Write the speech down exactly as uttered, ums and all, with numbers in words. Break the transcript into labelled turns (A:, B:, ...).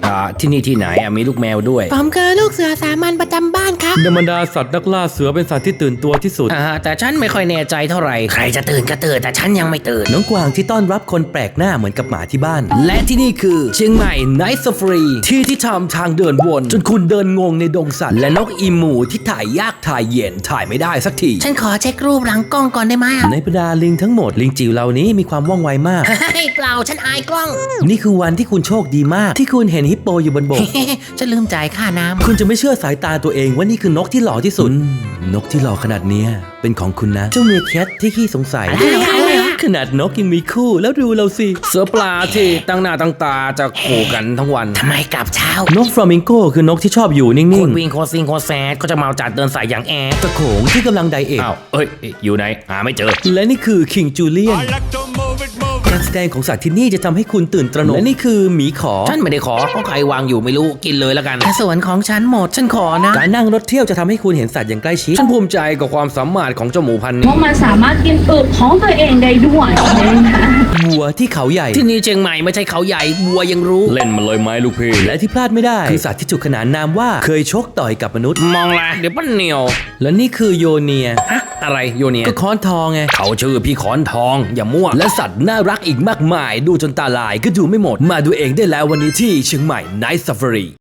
A: อ่าที่นี่ที่ไหนอ่ะมีลูกแมวด้วย
B: ผมคือลูกเสือสามัญประจำบ้านครับ
C: ในบรรดาสัตว์นักล่าเสือเป็นสัตว์ที่ตื่นตัวที่สุด
A: อ่าแต่ฉันไม่ค่อยแน่ใจเท่าไหร่ใครจะตื่นก็ตื่นแต่ฉันยังไม่ตื่น
C: น้องกวางที่ต้อนรับคนแปลกหน้าเหมือนกับหมาที่บ้าน
A: และที่นี่คือเชียงใหม่ไนท์ซาฟารีที่ที่ทำทางเดินวนจนคุณเดินงงในดงสัตว์และนกอีมูที่ถ่ายยากถ่ายเย็นถ่ายไม่ได้สักที
B: ฉันขอเช็ครูปหลังกล้องก่อนได้ไหม
C: ในบรรดาลิงทั้งหมดลิงจิ๋วเหล่านี้มีความว่องไวมาก
B: เฮ้ยเปล่าฉันอายกล้อง
C: นี่คือวันที่คุณโชคดีมากที่คุณเห็นฮิปโปอยู่บนบก
B: ฉันลืมจ่ายค่าน้ำ
C: คุณจะไม่เชื่อสายตาตัวเองว่านี่คือนกที่หล่อที่สุดนกที่หล่อขนาดเนี้ยเป็นของคุณนะเจ้าเมียแคทที่ขี้สงสัยขนาดนกยังมีคู่แล้วดูเราสิ
A: เสือปลาที่ตั้งหน้าตั้งตาจะขู่กันทั้งวัน
B: ทำไมกลับเช้าน
C: กฟลามิงโกคือนกที่ชอบอยู่นิ่งๆ
A: โคตรวิ่งโคตรซิงโคตรแซดก็จะเมาจัดเดินสายอย่างแอด
C: ตะโขงที่กำลังไดเอท
A: อ้าวเอ้ยอยู่ไหนหาไม่เจอ
C: และนี่คือคิงจูเลียนการแสดงของสัตว์ที่นี่จะทำให้คุณตื่นตระหนกและนี่คือหมีขอ
A: ฉันไม่ได้ขอเพราะใครวางอยู่ไม่รู้กินเลยแล้วกัน
B: แต่ส่วนของฉันหมดฉันขอนะ
C: การนั่งรถเที่ยวจะทำให้คุณเห็นสัตว์อย่างใกล้ชิด
A: ฉันภูมิใจกับความสามารถของเจ้าหมูพันธุ์นี้
D: เพราะมันสามารถกินอึของตัวเองได้ด้วยนะคะ
C: วัวที่เขาใหญ่
A: ที่นี่เชียงใหม่ไม่ใช่เขาใหญ่วัวยังรู้
C: เล่นมันเลยไหมลูกพี่และที่พลาดไม่ได้คือสัตว์ที่ถูกขนานนามว่าเคยชกต่อยกับมนุษย์
A: มองละเดี๋ยวปั้นเหนียว
C: และนี่คือโยเนีย
A: อะอะไรโยเนีย
C: ก็ค้อนทองไง
A: เขาชื่อพี่ค้อนทองอย่ามั่ว
C: และสัตว์น่ารักอีกมากมายดูจนตาลายก็ดูไม่หมดมาดูเองได้แล้ววันนี้ที่เชียงใหม่ Night Safari